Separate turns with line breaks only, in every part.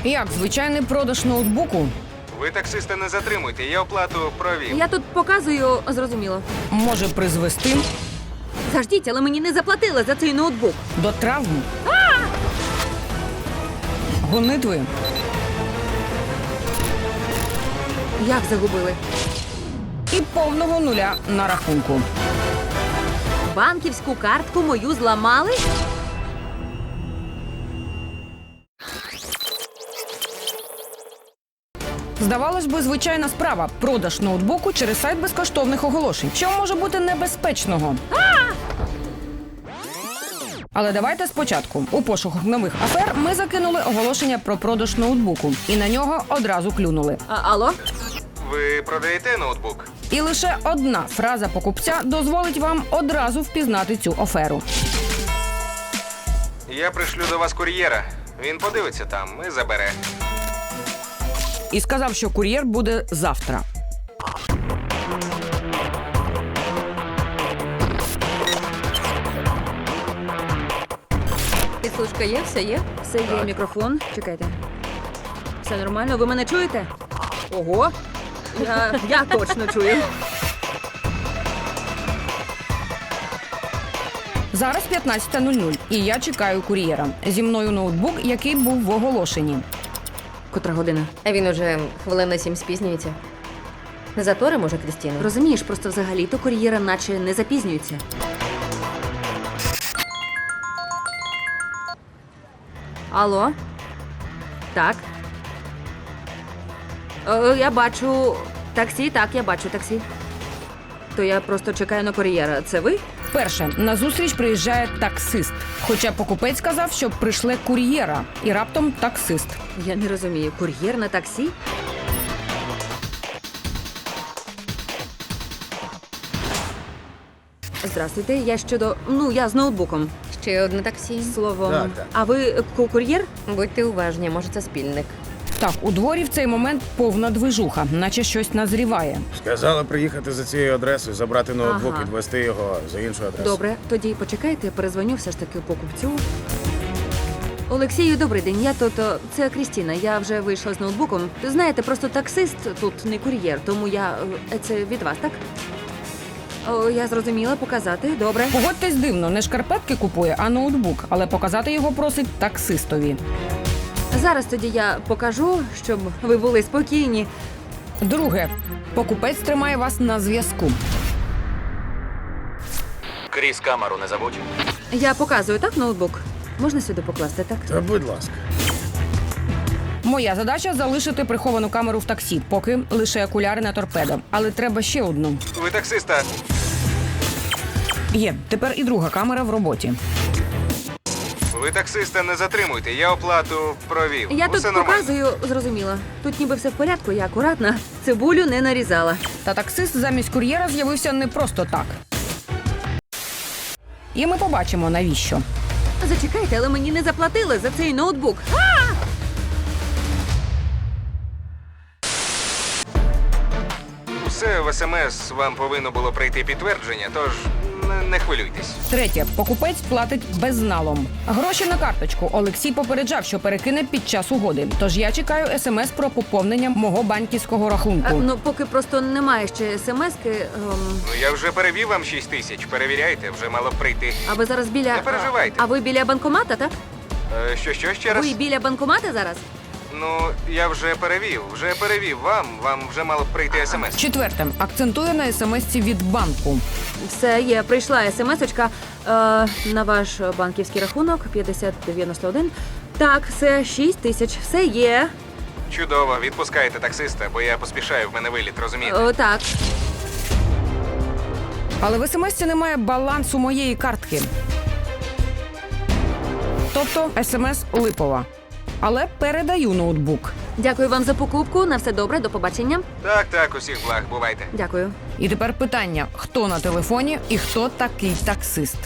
Як звичайний продаж ноутбуку
Ви таксиста не затримуйте, я оплату провів.
Я тут показую, зрозуміло.
може призвести
Заждіть, але мені не заплатили за цей ноутбук.
до травм, гонитви
Як загубили?
і повного нуля на рахунку.
Банківську картку мою зламали?
Здавалось би, звичайна справа – продаж ноутбуку через сайт безкоштовних оголошень. Що може бути небезпечного? Але давайте спочатку. У пошуках нових афер ми закинули оголошення про продаж ноутбуку. І на нього одразу клюнули.
Алло?
Ви продаєте ноутбук?
І лише одна фраза покупця дозволить вам одразу впізнати цю аферу.
Я пришлю до вас кур'єра. Він подивиться там і забере.
І сказав, що кур'єр буде завтра.
Підслужка є? Все є? Все є. Мікрофон. Чекайте. Все нормально? Ви мене чуєте? Ого! Я точно чую.
Зараз 15:00, і я чекаю кур'єра. Зі мною ноутбук, який був в оголошенні.
Котра година?
А він уже хвилин на 7 спізнюється. Не затори, може, Крістіну?
Розумієш, просто взагалі-то кур'єра наче не запізнюється. Алло? Так? Я бачу таксі, так, я бачу таксі. То я просто чекаю на кур'єра. Це ви?
Перше, на зустріч приїжджає таксист. Хоча покупець сказав, що прийшле кур'єра. І раптом таксист.
Я не розумію. Кур'єр на таксі? Здравствуйте, я щодо... я з ноутбуком.
Ще одне таксі.
Словом.
Так.
А ви кур'єр?
Будьте уважні, може, це спільник.
Так, у дворі в цей момент повна движуха, наче щось назріває.
Сказала приїхати за цією адресою, забрати ноутбук,
Ага.
відвести його за іншу адресу.
Добре, тоді почекайте, перезвоню все ж таки покупцю. Олексію, добрий день. Я тут. Це Крістіна. Я вже вийшла з ноутбуком. Знаєте, просто таксист тут не кур'єр, тому я. Це від вас, так? О, я зрозуміла, показати. Добре.
Погодьтесь дивно, не шкарпетки купує, а ноутбук. Але показати його просить таксистові.
Зараз тоді я покажу, щоб ви були спокійні.
Друге, покупець тримає вас на зв'язку.
Кріс, камеру не забудь.
Я показую, так, ноутбук? Можна сюди покласти, так?
Та будь ласка.
Моя задача – залишити приховану камеру в таксі, поки лише окуляри на торпедо. Але треба ще одну.
Ви таксиста.
Є, тепер і друга камера в роботі.
Ви таксиста не затримуйте, я оплату провів.
Я
Усе
тут
нормально.
показую, зрозуміло. Тут ніби все в порядку, я акуратна. Цибулю не нарізала.
Та таксист замість кур'єра з'явився не просто так. І ми побачимо, навіщо.
Зачекайте, але мені не заплатили за цей ноутбук.
Все в СМС вам повинно було прийти підтвердження, тож не хвилюйтесь.
Третє. Покупець платить безналом. Гроші на карточку. Олексій попереджав, що перекине під час угоди. Тож я чекаю смс про поповнення мого банківського рахунку.
Поки просто немає ще смс-ки.
Ну я вже перевів вам 6 тисяч. Перевіряйте, вже мало б прийти.
А ви зараз біля.
Не переживайте.
А ви біля банкомата, так?
Що ще раз?
Ви біля банкомата зараз?
Ну, я вже перевів вам вже мало б прийти смс.
Четверте. Акцентую на смс-ці від банку.
Все є, прийшла смс-очка на ваш банківський рахунок 5091. Так, все 6 тисяч. Все є.
Чудово, відпускайте таксиста, бо я поспішаю, в мене виліт, розумієте?
Так.
Але в смс-ці немає балансу моєї картки. Тобто смс липова. Але передаю ноутбук.
Дякую вам за покупку. На все добре, до побачення.
Так, усіх благ, бувайте.
Дякую.
І тепер питання, хто на телефоні і хто такий таксист.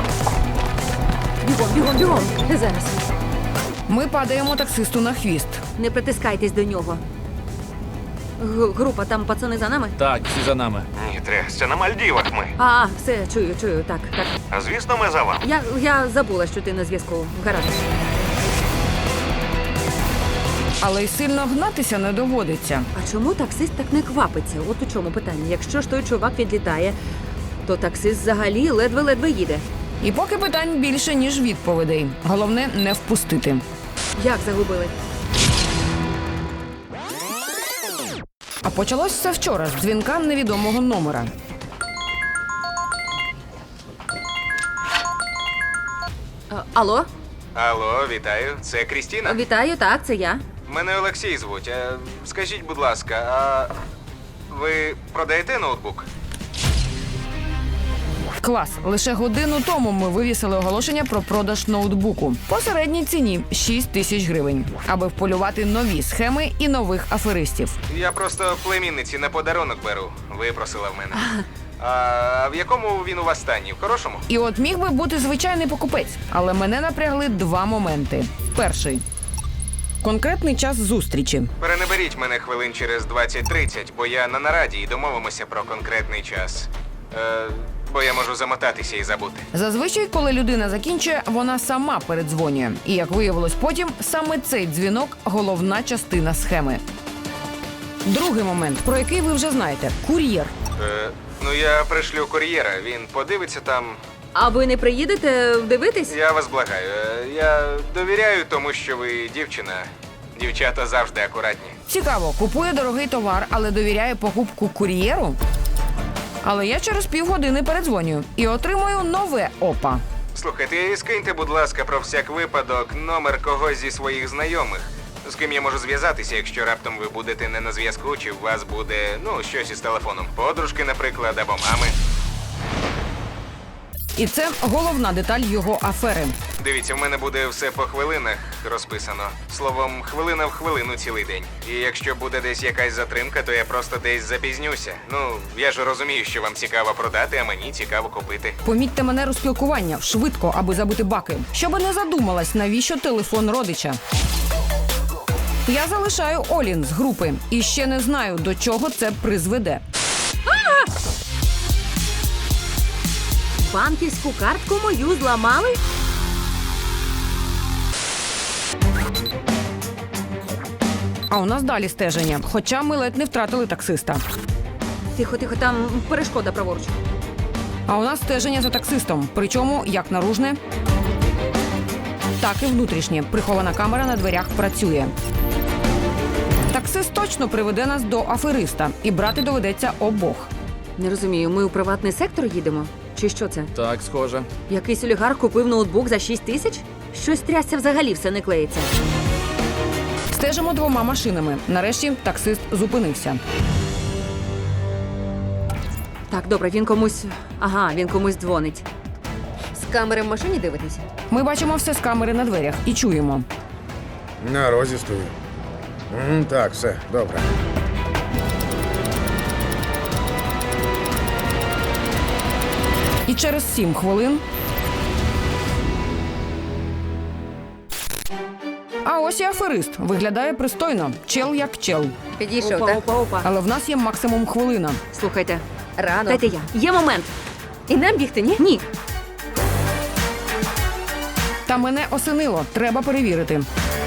Бігом. Зараз.
Ми падаємо таксисту на хвіст.
Не притискайтесь до нього. Група, там пацани за нами?
Так, всі за нами.
Ні, трясся, на Мальдівах ми.
Все, чую, так.
А звісно, ми за вами.
Я забула, що ти на зв'язку. Гаразд.
Але й сильно гнатися не доводиться.
А чому таксист так не квапиться? От у чому питання. Якщо ж той чувак відлітає, то таксист взагалі ледве-ледве їде.
І поки питань більше, ніж відповідей. Головне не впустити.
Як загубили?
А почалось все вчора з дзвінка невідомого номера.
Алло?
Алло, вітаю. Це Крістіна?
Вітаю, так, це я.
Мене Олексій звуть. Скажіть, будь ласка, а ви продаєте ноутбук?
Клас. Лише годину тому ми вивісили оголошення про продаж ноутбуку. По середній ціні 6 тисяч гривень, аби вполювати нові схеми і нових аферистів.
Я просто племінниці на подарунок беру. Випросила в мене. А в якому він у вас стані? В хорошому?
І от міг би бути звичайний покупець, але мене напрягли два моменти. Перший – конкретний час зустрічі.
Перенаберіть мене хвилин через 20-30, бо я на нараді і домовимося про конкретний час. Бо я можу замотатися і забути.
Зазвичай, коли людина закінчує, вона сама передзвонює. І, як виявилось потім, саме цей дзвінок – головна частина схеми. Другий момент, про який ви вже знаєте – кур'єр.
Ну, я пришлю кур'єра, він подивиться там.
А ви не приїдете дивитись?
Я вас благаю. Я довіряю тому, що ви дівчина. Дівчата завжди акуратні.
Цікаво, купує дорогий товар, але довіряє покупку кур'єру? Але я через півгодини передзвонюю і отримую нове ОПА.
Слухайте, скиньте, будь ласка, про всяк випадок номер когось зі своїх знайомих. З ким я можу зв'язатися, якщо раптом ви будете не на зв'язку, чи у вас буде, щось із телефоном. Подружки, наприклад, або мами.
І це головна деталь його афери.
Дивіться, в мене буде все по хвилинах розписано. Словом, хвилина в хвилину цілий день. І якщо буде десь якась затримка, то я просто десь запізнюся. Я ж розумію, що вам цікаво продати, а мені цікаво купити.
Помітьте манеру спілкування швидко, аби забити баки. Щоби не задумалась, навіщо телефон родича. Я залишаю Олін з групи і ще не знаю, до чого це призведе.
Банківську картку мою зламали?
А у нас далі стеження, хоча ми ледь не втратили таксиста.
Тихо, там перешкода праворуч.
А у нас стеження за таксистом, причому як наружне, так і внутрішнє. Прихована камера на дверях працює. Таксист точно приведе нас до афериста, і брати доведеться обох.
Не розумію, ми у приватний сектор їдемо? Чи що це?
Так, схоже.
Якийсь олігарх купив ноутбук за 6 тисяч? Щось трясся взагалі все не клеїться.
Стежимо двома машинами. Нарешті таксист зупинився.
Так, добре, він комусь дзвонить.
З камери в машині дивитися?
Ми бачимо все з камери на дверях і чуємо.
На розі стою. Так, все, добре.
І через 7 хвилин... А ось і аферист. Виглядає пристойно. Чел як чел.
Підійшов, так?
Опа.
Але в нас є максимум хвилина.
Слухайте,
Рано.
дайте я. Є момент.
І нам бігти, ні?
Ні.
Та мене осенило. Треба перевірити.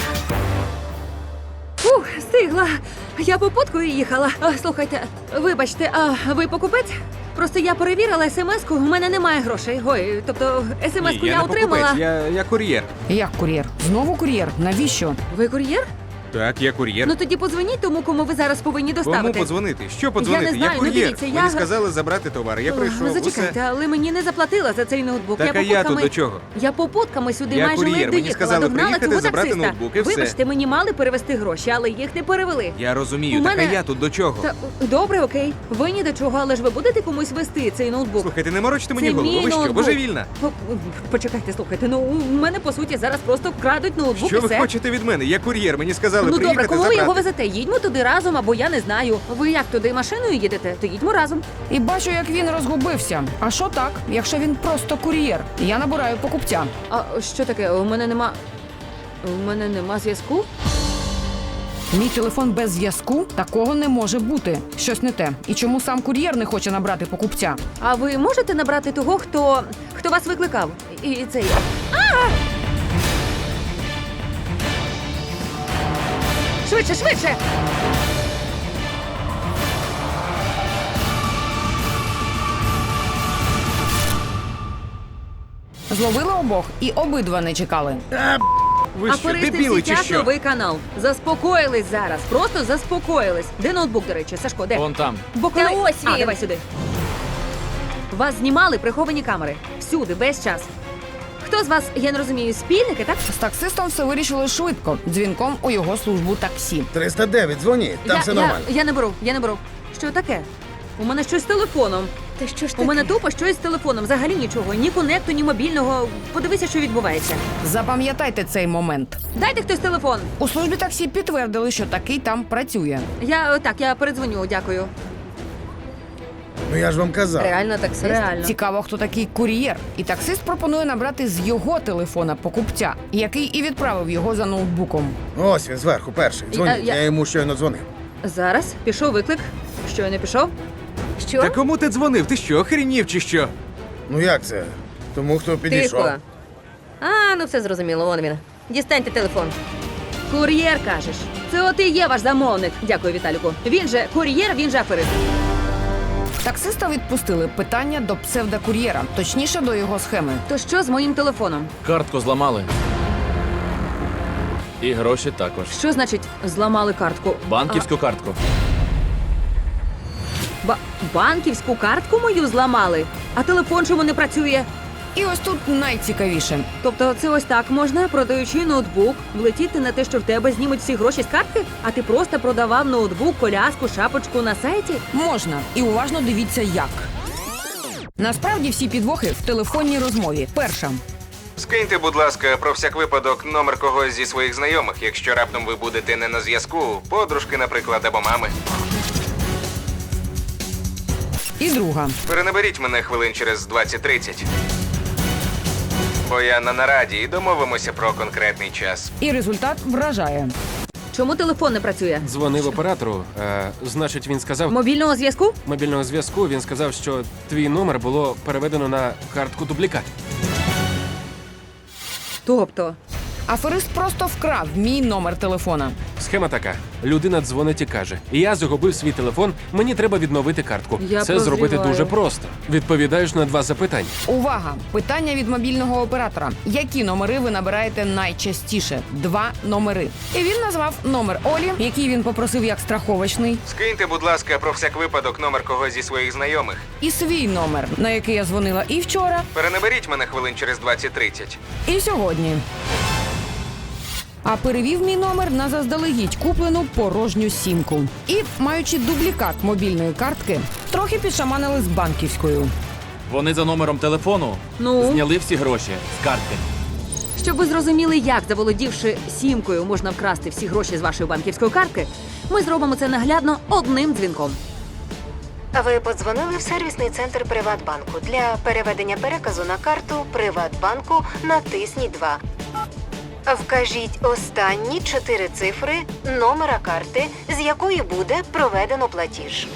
Встигла. Я попуткою їхала. Слухайте, вибачте, а ви покупець? Просто я перевірила смс-ку, у мене немає грошей. Ой, тобто смс-ку я отримала.
Я кур'єр.
Як кур'єр? Знову кур'єр? Навіщо?
Ви кур'єр?
Так, я кур'єр.
Ну тоді подзвоніть тому, кому ви зараз повинні доставити.
Кому подзвонити? Що подзвонити?
Я не знаю, ну,
кур'єр.
дивіться, я-
Мені сказали забрати товар. Я прийшов.
Зачекайте,
усе.
але мені не заплатила за цей ноутбук.
Так, а я тут до чого?
Я попутками сюди
Я
майже
кур'єр,
ледь
мені
доїхала,
сказали
догнала
приїхати,
цього
забрати
таксиста.
ноутбук, і все.
Вибачте, мені мали перевести гроші, але їх не перевели.
Я розумію,
У
так
мене-
а я тут до чого?
Та, добре, окей. Ви ні до чого, але ж ви будете комусь вести цей ноутбук.
Слухайте, не морочте мені
Це
голову.
мій
Ви що,
ноутбук.
божевільна?
Почекайте, слухайте, ну у мене по суті зараз просто крадуть ноутбук
Що
і
ви
все.
хочете від мене? Я кур'єр, мені сказали
Ну
приїхати,
добре, кому ви
забрати.
його везете? Їдьмо туди разом, або я не знаю. Ви як туди машиною їдете? То їдьмо разом.
І бачу, як він розгубився. А що так, якщо він просто кур'єр? Я набираю покупця.
А що таке? У мене нема зв'язку?
Мій телефон без зв'язку? Такого не може бути. Щось не те. І чому сам кур'єр не хоче набрати покупця?
А ви можете набрати того, хто вас викликав? І це я. Швидше, швидше!
Зловили обох і обидва не чекали.
Ви що,
Аферисти
дебіли
в
чи
сітях,
що?
новий канал. Заспокоїлись зараз. Просто заспокоїлись. Де ноутбук, до речі? Сашко, де?
Вон там.
Бо коли...
Та ось
А,
він.
давай сюди. Вас знімали приховані камери. Всюди, весь час. Хто з вас, я не розумію, спільники, так?
З таксистом все вирішили швидко, дзвінком у його службу таксі.
309, дзвоніть, там все нормально.
Я не беру. Що таке? У мене щось з телефоном.
Та що ж
У
таке?
мене тупо щось з телефоном. Взагалі нічого. Ні конекту, ні мобільного. Подивися, що відбувається.
Запам'ятайте цей момент.
Дайте хтось телефон.
У службі таксі підтвердили, що такий там працює.
Я передзвоню, дякую.
Ну я ж вам казав.
Реально таксист?
Реально.
Цікаво, хто такий кур'єр. І таксист пропонує набрати з його телефона покупця, який і відправив його за ноутбуком.
Ось він зверху перший. Дзвоніть,
Я-
я йому щойно дзвонив.
Зараз пішов виклик. Щойно пішов.
Що?
Та кому ти дзвонив? Ти що, охренів чи що?
Ну як це? Тому хто підійшов.
Тихо. А, ну все зрозуміло, вон він. Дістаньте телефон.
Кур'єр, кажеш. Це от і є ваш замовник. Дякую, Віталіку. Він же кур'єр, він же аферист.
Таксиста відпустили. Питання до псевдокур'єра, точніше до його схеми.
То що з моїм телефоном?
Картку зламали. І гроші також.
Що значить зламали картку?
Банківську картку.
Банківську картку мою зламали, а телефон чому не працює?
І ось тут найцікавіше.
Тобто це ось так можна, продаючи ноутбук, влетіти на те, що в тебе знімуть всі гроші з картки, а ти просто продавав ноутбук, коляску, шапочку на сайті?
Можна. І уважно дивіться, як. Насправді всі підвохи в телефонній розмові. Перша.
Скиньте, будь ласка, про всяк випадок номер когось зі своїх знайомих, якщо раптом ви будете не на зв'язку, подружки, наприклад, або мами.
І друга.
Перенаберіть мене хвилин через 20-30. Бо я на нараді і домовимося про конкретний час.
І результат вражає.
Чому телефон не працює?
Дзвонив оператору. Значить, він сказав
Мобільного зв'язку?
мобільного зв'язку. Він сказав, що твій номер було переведено на картку дублікат.
Тобто,
Аферист просто вкрав мій номер телефона.
Схема така: людина дзвонить і каже: я загубив свій телефон, мені треба відновити картку.
Я
Це зробити
прозріваю.
дуже просто. Відповідаєш на 2 запитання.
Увага! Питання від мобільного оператора. Які номери ви набираєте найчастіше? 2 номери. І він назвав номер Олі, який він попросив як страховочний,
Скиньте, будь ласка, про всяк випадок номер когось зі своїх знайомих.
і свій номер, на який я дзвонила і вчора,
Перенаберіть мене хвилин через 20-30.
і сьогодні. А перевів мій номер на заздалегідь куплену порожню сімку. І, маючи дублікат мобільної картки, трохи підшаманили з банківською.
Вони за номером телефону
Ну?
зняли всі гроші з картки.
щоб ви зрозуміли, як, заволодівши сімкою, можна вкрасти всі гроші з вашої банківської картки, ми зробимо це наглядно одним дзвінком.
Ви подзвонили в сервісний центр Приватбанку. Для переведення переказу на карту Приватбанку натисніть 2. Вкажіть останні 4 цифри номера карти, з якої буде проведено платіж.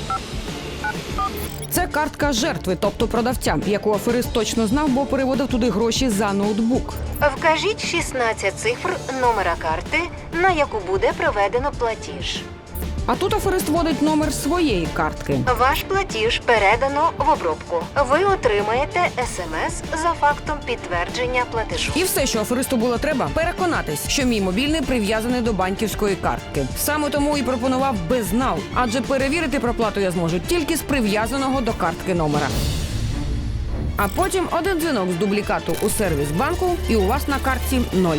Це картка жертви, тобто продавця, яку аферист точно знав, бо переводив туди гроші за ноутбук.
Вкажіть 16 цифр номера карти, на яку буде проведено платіж.
А тут аферист вводить номер своєї картки.
Ваш платіж передано в обробку. Ви отримаєте СМС за фактом підтвердження платежу.
І все, що аферисту було треба, переконатись, що мій мобільний прив'язаний до банківської картки. Саме тому і пропонував безнал, адже перевірити проплату я зможу тільки з прив'язаного до картки номера. А потім один дзвінок з дублікату у сервіс банку, і у вас на картці 0.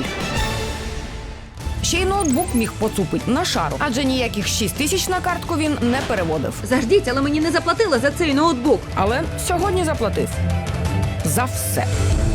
Ще й ноутбук міг поцупить на шару, адже ніяких 6 тисяч на картку він не переводив.
Заждіть, але мені не заплатили за цей ноутбук.
Але сьогодні заплатив. За все.